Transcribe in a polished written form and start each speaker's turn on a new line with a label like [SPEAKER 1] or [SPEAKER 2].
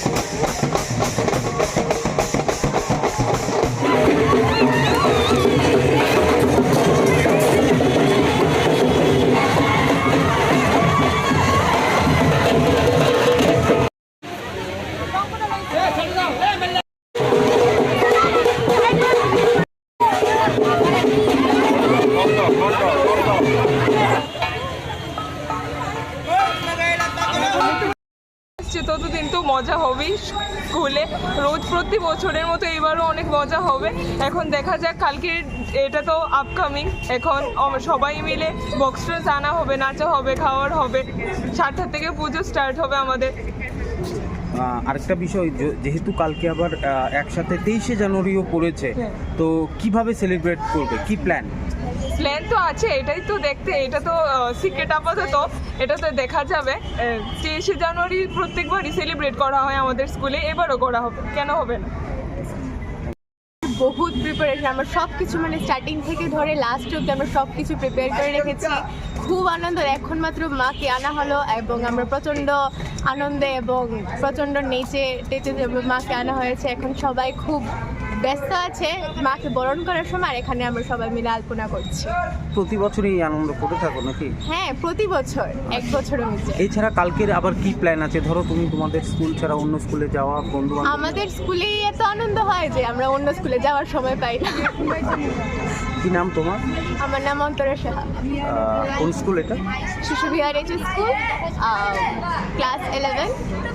[SPEAKER 1] ততদিন তো মজা হবেই স্কুলে, রোজ প্রতি বছরের মতো এবারও অনেক মজা হবে। এখন দেখা যাক, কালকে এটা তো আপকামিং, এখন সবাই মিলে বক্স টক্স আনা হবে, নাচা হবে, খাওয়ার হবে, 7টা থেকে পুজো স্টার্ট হবে আমাদের।
[SPEAKER 2] আরেকটা বিষয়, যেহেতু কালকে আবার একসাথে 23শে জানুয়ারিও পড়েছে, তো কিভাবে সেলিব্রেট করবে, কি প্ল্যান
[SPEAKER 1] তো আছে, এটাই তো দেখতে, এটা তো সিক্রেট আপাতত, এটা তো দেখা যাবে। 23শে জানুয়ারি প্রত্যেকবারই সেলিব্রেট করা হয় আমাদের স্কুলে, এবারও করা হবে, কেন হবে না।
[SPEAKER 3] বহুত প্রিপারেশন, আমরা সব কিছু মানে স্টার্টিং থেকে ধরে লাস্ট অব্দি আমরা সব কিছু প্রিপেয়ার করে রেখেছি। খুব আনন্দ, এখন মাত্র মাকে আনা হলো এবং আমরা প্রচণ্ড আনন্দে এবং প্রচণ্ড নেচে টেচে মাকে আনা হয়েছে। এখন সবাই খুব ব্যস্ত আছে মাকে বরণ করার সময়, আর এখানে আমরা সবাই মিলে আলপনা করছি।
[SPEAKER 2] প্রতি বছরই এই আনন্দ করে থাকো নাকি?
[SPEAKER 3] হ্যাঁ, প্রতি বছর, এক বছরও মিশে।
[SPEAKER 2] এছাড়া কালকের আবার কি প্ল্যান আছে? ধরো তুমি তোমাদের স্কুল ছাড়া অন্য স্কুলে যাওয়া, বন্ধু
[SPEAKER 3] আমাদের স্কুলেই এত আনন্দ হয় যে আমরা অন্য স্কুলে যাওয়ার সময় পাই না।
[SPEAKER 2] কি নাম তোমার?
[SPEAKER 3] আমার নাম অন্তরা সাহা।
[SPEAKER 2] কোন স্কুল এটা?
[SPEAKER 3] শিশু বিহার এইচ স্কুল, ক্লাস 11।